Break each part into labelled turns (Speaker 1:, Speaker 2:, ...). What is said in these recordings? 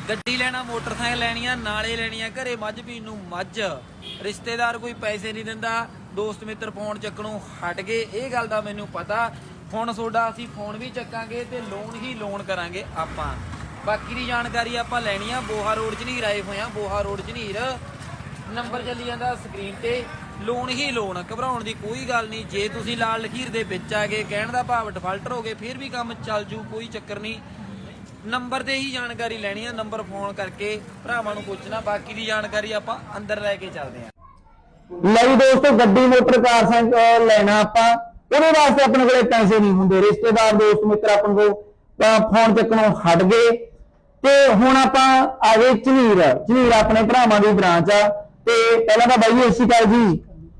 Speaker 1: ਗੱਡੀ ਲੈਣਾ, ਮੋਟਰਸਾਈਕਲ ਲੈਣੀਆਂ, ਨਾਲੇ ਲੈਣੀਆਂ ਘਰੇ ਮੱਝ ਪੀਣ ਨੂੰ ਮੱਝ, ਰਿਸ਼ਤੇਦਾਰ ਕੋਈ ਪੈਸੇ ਨਹੀਂ ਦਿੰਦਾ, ਦੋਸਤ ਮਿੱਤਰ ਫੋਨ ਚੱਕਣੋਂ ਹਟ ਗਏ, ਇਹ ਗੱਲ ਦਾ ਮੈਨੂੰ ਪਤਾ। ਹੁਣ ਤੁਹਾਡਾ ਅਸੀਂ ਫੋਨ ਵੀ ਚੱਕਾਂਗੇ ਤੇ ਲੋਨ ਹੀ ਲੋਨ ਕਰਾਂਗੇ ਆਪਾਂ। ਬਾਕੀ ਦੀ ਜਾਣਕਾਰੀ ਆਪਾਂ ਲੈਣੀ ਆ। ਬੋਹਾ ਰੋਡ ਝਨੀਰ ਆਏ ਹੋਏ ਆ, ਬੋਹਾ ਰੋਡ ਝਨੀਰ, ਨੰਬਰ ਚੱਲੀ ਜਾਂਦਾ ਸਕਰੀਨ ਤੇ। ਲੋਨ ਹੀ ਲੋਨ, ਘਬਰਾਉਣ ਦੀ ਕੋਈ ਗੱਲ ਨਹੀਂ। ਜੇ ਤੁਸੀਂ ਲਾਲ ਲਖੀਰ ਦੇ ਵਿੱਚ ਆ ਗਏ, ਕਹਿਣ ਦਾ ਭਾਵ ਡਿਫਾਲਟਰ ਹੋ ਗਏ, ਫਿਰ ਵੀ ਕੰਮ ਚੱਲ ਜੂ, ਕੋਈ ਚੱਕਰ ਨਹੀਂ। ਨੰਬਰ ਤੇ ਹੀ ਜਾਣਕਾਰੀ ਲੈਣੀ ਆ, ਨੰਬਰ ਫੋਨ ਕਰਕੇ ਭਰਾਵਾਂ ਨੂੰ ਪੁੱਛਣਾ। ਬਾਕੀ ਦੀ ਜਾਣਕਾਰੀ ਆਪਾਂ ਅੰਦਰ ਲੈ ਕੇ ਚੱਲਦੇ ਆ।
Speaker 2: ਲਈ ਦੋਸਤੋ, ਗੱਡੀ ਮੋਟਰ ਕਾਰ ਸਾਈਕਲ ਲੈਣਾ ਆਪਾਂ, ਉਹਦੇ ਵਾਸਤੇ ਆਪਣੇ ਕੋਲੇ ਪੈਸੇ ਨਹੀਂ ਹੁੰਦੇ। ਰਿਸ਼ਤੇਦਾਰ ਦੋਸਤ ਮਿੱਤਰ ਆਪਣੇ ਕੋਲ ਫੋਨ ਚੱਕਣੋਂ ਹਟ ਗਏ ਤੇ ਹੁਣ ਆਪਾਂ ਆ ਗਏ ਝਨੀਰ। ਝਨੀਰ ਆਪਣੇ ਭਰਾਵਾਂ ਦੀ ਬ੍ਰਾਂਚ ਆ। ਤੇ ਪਹਿਲਾਂ ਤਾਂ ਬਾਈ ਸਤਿ ਸ਼੍ਰੀ ਅਕਾਲ ਜੀ।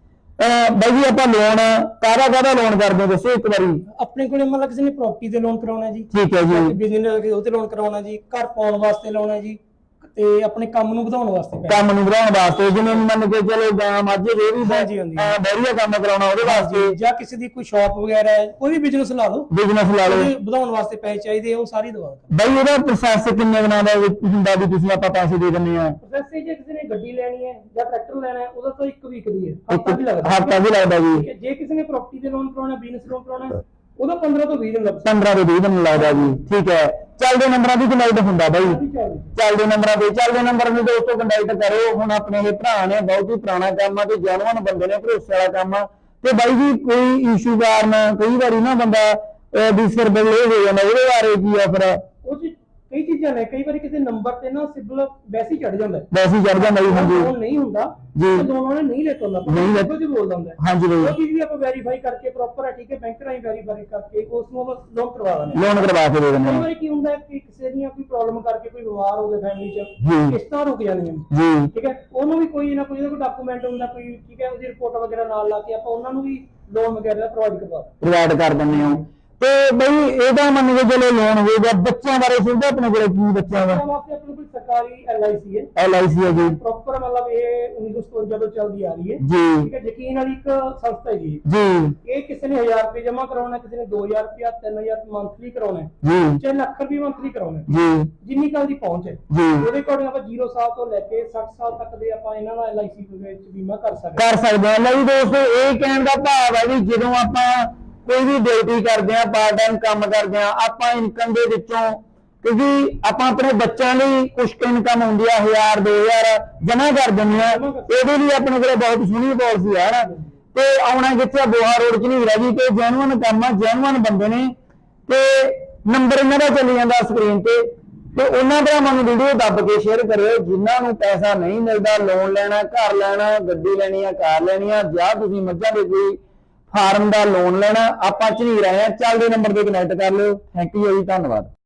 Speaker 2: ਬਾਈ ਜੀ ਆਪਾਂ ਲੋਨ ਕਾਹਦਾ ਲੋਨ ਕਰਦੇ ਦੱਸੋ ਇੱਕ ਵਾਰੀ।
Speaker 3: ਆਪਣੇ ਕੋਲੇ ਮਤਲਬ ਕਿਸੇ ਨੇ ਪ੍ਰਾਪਰਟੀ ਤੇ ਲੋਨ ਕਰਾਉਣਾ ਜੀ,
Speaker 2: ਠੀਕ ਹੈ ਜੀ।
Speaker 3: ਬਿਜ਼ਨਸ ਉਹ ਤੇ ਲੋਨ ਕਰਾਉਣਾ ਜੀ, ਘਰ ਪਾਉਣ ਵਾਸਤੇ ਲਾਉਣਾ ਜੀ, ਤੇ ਆਪਣੇ ਕੰਮ ਨੂੰ ਵਧਾਉਣ ਵਾਸਤੇ
Speaker 2: ਕੰਮ ਨੂੰ ਵਧਾਉਣ ਵਾਸਤੇ, ਜਿਵੇਂ ਮੰਨ ਕੇ ਚਲੋ ਗਾਂ ਮੱਝ ਇਹ ਵੀ ਡੈਰੀ ਕੰਮ ਕਰਾਉਣਾ ਉਹਦੇ ਵਾਸਤੇ,
Speaker 3: ਜਾਂ ਕਿਸੇ ਦੀ ਕੋਈ ਸ਼ਾਪ ਵਗੈਰਾ ਹੈ, ਕੋਈ ਵੀ ਬਿਜ਼ਨਸ ਲਾ ਲਓ,
Speaker 2: ਬਿਜ਼ਨਸ ਲਾ ਲਓ,
Speaker 3: ਵਧਾਉਣ ਵਾਸਤੇ ਪੈਸੇ ਚਾਹੀਦੇ, ਉਹ ਸਾਰੀ ਦਵਾ
Speaker 2: ਬਾਈ। ਉਹਦਾ ਪ੍ਰੋਸੈਸ ਕਿੰਨੇ ਦਿਨਾਂ ਦਾ ਹੁੰਦਾ ਵੀ ਤੁਸੀਂ ਆਪਾਂ ਪੈਸੇ ਦੇ ਦਿੰਦੇ ਆ?
Speaker 3: ਪ੍ਰੋਸੈਸ ਜੇ ਕਿਸੇ ਨੇ ਗੱਡੀ ਲੈਣੀ ਹੈ ਜਾਂ ਟਰੈਕਟਰ ਲੈਣਾ ਹੈ, ਉਹਦਾ ਤਾਂ 1 ਵੀਕ ਦੀ ਹੈ, ਹਫਤਾ ਵੀ ਲੱਗਦਾ।
Speaker 2: ਹਫਤਾ ਵੀ ਲੱਗਦਾ ਜੀ।
Speaker 3: ਜੇ ਕਿਸੇ ਨੇ ਪ੍ਰਾਪਰਟੀ ਤੇ ਲੋਨ ਕਰਾਉਣਾ, ਬਿਜ਼ਨਸ ਲੋਨ ਕਰਾਉਣਾ, ਉਹਦਾ 15 ਤੋਂ 20 ਦਿਨ ਲੱਗਦਾ।
Speaker 2: 15 ਤੋਂ 20 ਦਿਨ ਲੱਗਦਾ ਜੀ, ਠੀਕ ਹੈ। ਚੱਲਦੇ ਨੰਬਰਾਂ ਦੀ ਕੰਟੈਕਟ ਹੁੰਦਾ ਬਾਈ, ਚੱਲਦੇ ਨੰਬਰਾਂ ਦੇ ਦੋਸਤੋ ਕੰਟੈਕਟ ਕਰਿਓ। ਹੁਣ ਆਪਣੇ ਇਹ ਭਰਾ ਨੇ, ਬਹੁਤ ਹੀ ਪੁਰਾਣਾ ਕੰਮ ਆ ਤੇ ਜੈਨੂਅਨ ਬੰਦੇ ਨੇ, ਭਰੋਸੇ ਵਾਲਾ ਕੰਮ ਆ। ਤੇ ਬਾਈ ਜੀ ਕੋਈ ਇਸ਼ੂ ਕਾਰਨ ਕਈ ਵਾਰੀ ਨਾ ਬੰਦਾ ਵੀ ਸਿਰ ਬੱਲੇ ਹੋ ਜਾਂਦਾ, ਉਹਦੇ ਬਾਰੇ ਕੀ ਆ ਫਿਰ?
Speaker 3: ਉਹ ਕਈ ਚੀਜ਼ਾਂ ਨੇ, ਕਈ ਵਾਰੀ ਕਿਸੇ ਨੰਬਰ ਤੇ ਨਾ ਸਿਬਲ ਵੈਸੇ ਹੀ ਚੜ ਜਾਂਦਾ,
Speaker 2: ਵੈਸੇ ਹੀ ਚੜ ਜਾਂਦਾ ਜੀ। ਹਾਂਜੀ
Speaker 3: ਲੋਨ ਨਹੀਂ ਹੁੰਦਾ
Speaker 2: ਜੀ,
Speaker 3: ਦੋਨਾਂ ਨੇ ਨਹੀਂ ਲੈਤਾ ਹੁੰਦਾ,
Speaker 2: ਨਹੀਂ
Speaker 3: ਬਿਲਕੁਲ ਜੀ ਬੋਲਦਾ ਹੁੰਦਾ।
Speaker 2: ਹਾਂਜੀ ਬਾਈ,
Speaker 3: ਉਹ ਚੀਜ਼ ਵੀ ਆਪਾਂ ਵੈਰੀਫਾਈ ਕਰਕੇ ਪ੍ਰੋਪਰ ਹੈ, ਠੀਕ ਹੈ, ਬੈਂਕ ਰਾਹੀਂ ਵੈਰੀਫਾਈ ਕਰਕੇ ਉਸ ਨੂੰ ਆਪਾਂ ਲੋਨ ਕਰਵਾ ਦਿੰਦੇ ਹਾਂ।
Speaker 2: ਲੋਨ ਕਰਵਾ ਕੇ ਦੇ ਦਿੰਦੇ
Speaker 3: ਕਈ
Speaker 2: ਆ
Speaker 3: ਵਾਰੀ ਕੀ ਹੁੰਦਾ ਕਿ ਕਿਸੇ ਦੀਆਂ ਕੋਈ ਪ੍ਰੋਬਲਮ ਕਰਕੇ ਕੋਈ ਬਿਮਾਰ ਹੋ ਗਿਆ ਫੈਮਿਲੀ ਚ,
Speaker 2: ਜੀ।
Speaker 3: ਕਿਸ਼ਤਾਂ ਰੁਕ ਜਾਂਦੀਆਂ
Speaker 2: ਜੀ,
Speaker 3: ਠੀਕ ਹੈ, ਉਹਨੂੰ ਵੀ ਕੋਈ ਨਾ ਕੋਈ ਡਾਕੂਮੈਂਟ ਹੁੰਦਾ ਕੋਈ, ਠੀਕ ਹੈ, ਉਹਦੀ ਰਿਪੋਰਟ ਵਗੈਰਾ ਨਾਲ ਲਾ ਕੇ ਆਪਾਂ ਉਹਨਾਂ ਨੂੰ ਵੀ ਲੋਨ ਵਗੈਰਾ
Speaker 2: ਪ੍ਰੋਵਾਈਡ ਕਰ ਦਿੰਦੇ ਆ। ਤੇ ਬਈ ਇਹਦਾ ਮੰਨ ਕੇ ਚਲੋ ਲੋਨ ਹੋਏਗਾ। ਬੱਚਿਆਂ ਬਾਰੇ ਸੁਣਦਾ ਆਪਣੇ ਕੋਲੇ ਕੀ? ਬੱਚਿਆਂ ਦਾ
Speaker 3: ਵਾਸਤੇ ਆਪਣੇ ਕੋਲ ਸਰਕਾਰੀ LIC ਹੈ,
Speaker 2: LIC ਹੈ ਜੀ,
Speaker 3: ਪ੍ਰੋਪਰ ਮਤਲਬ ਇਹ 1957 ਤੋਂ ਚੱਲਦੀ ਆ ਰਹੀ ਹੈ
Speaker 2: ਜੀ,
Speaker 3: ਠੀਕ ਹੈ। ਯਕੀਨ ਵਾਲੀ ਇੱਕ ਸੰਸਥਾ ਹੈ ਜੀ।
Speaker 2: ਜੀ,
Speaker 3: ਇਹ ਕਿਸੇ ਨੇ 1000 ਰੁਪਏ ਜਮਾ ਕਰਾਉਣਾ, ਕਿਸੇ ਨੇ 2000 ਰੁਪਏ, 3000 ਮੰਥਲੀ ਕਰਾਉਣਾ,
Speaker 2: ਜੀ,
Speaker 3: ਚਾਹੇ ਲੱਖ ਰੁਪਏ ਮੰਥਲੀ ਕਰਾਉਣਾ,
Speaker 2: ਜੀ,
Speaker 3: ਜਿੰਨੀ ਕੱਲ ਦੀ ਪਹੁੰਚ ਹੈ
Speaker 2: ਜੀ।
Speaker 3: ਉਹਦੇ ਅਕੋਰਡਿੰਗ ਆਪਾਂ 0 ਸਾਲ ਤੋਂ ਲੈ ਕੇ 60 ਸਾਲ ਤੱਕ ਦੇ ਆਪਾਂ ਇਹਨਾਂ ਦਾ LIC ਦੇ ਵਿੱਚ ਬੀਮਾ ਕਰ ਸਕਦੇ
Speaker 2: ਆ। ਲਈ ਦੋਸਤੋ, ਇਹ ਕਹਿਣ ਦਾ ਭਾਵ ਹੈ ਵੀ ਜਦੋਂ ਆਪਾਂ ਕੋਈ ਵੀ ਡਿਊਟੀ ਕਰਦੇ ਆ, ਪਾਰਟ ਟਾਈਮ ਕੰਮ ਕਰਦੇ ਆ, ਆਪਾਂ ਇਨਕਮ ਦੇ ਵਿੱਚੋਂ, ਕਿਉਂਕਿ ਆਪਾਂ ਆਪਣੇ ਬੱਚਿਆਂ ਲਈ ਕੁਝ ਇਨਕਮ ਹੁੰਦੀ ਆ 1000 2000 ਜਮਾ ਕਰ ਦਿੰਦੇ ਆ। ਇਹਦੇ ਲਈ ਆਪਣੇ ਕੋਲ ਬਹੁਤ ਸੋਹਣੀ ਪਾਲਿਸੀ ਆ। ਤੇ ਆਉਣਾ ਕਿੱਥੇ? ਬੋਹਾ ਰੋਡ ਚ ਨਹੀਂ ਜੀ। ਤੇ ਜੈਨੂਅਨ ਕੰਮ ਆ, ਜੈਨੂਅਨ ਬੰਦੇ ਨੇ। ਤੇ ਨੰਬਰ ਇਹਨਾਂ ਦਾ ਚੱਲੀ ਜਾਂਦਾ ਸਕਰੀਨ ਤੇ। ਤੇ ਉਹਨਾਂ ਭਰਾਵਾਂ ਨੂੰ ਵੀਡੀਓ ਦੱਬ ਕੇ ਸ਼ੇਅਰ ਕਰਿਓ ਜਿਨ੍ਹਾਂ ਨੂੰ ਪੈਸਾ ਨਹੀਂ ਮਿਲਦਾ, ਲੋਨ ਲੈਣਾ, ਘਰ ਲੈਣਾ, ਗੱਡੀ ਲੈਣੀ ਆ, ਕਾਰ ਲੈਣੀ ਆ, ਜਾਂ ਤੁਸੀਂ ਮੱਝਾਂ ਦੇ ਕੋਈ ਫਾਰਮ ਦਾ ਲੋਨ ਲੈਣਾ, ਆਪਾਂ ਝਨੀਰ ਆਏ ਆ। ਚੱਲਦੇ ਨੰਬਰ ਤੇ ਕਨੈਕਟ ਕਰ ਲਿਓ। ਥੈਂਕ ਯੂ ਜੀ, ਧੰਨਵਾਦ।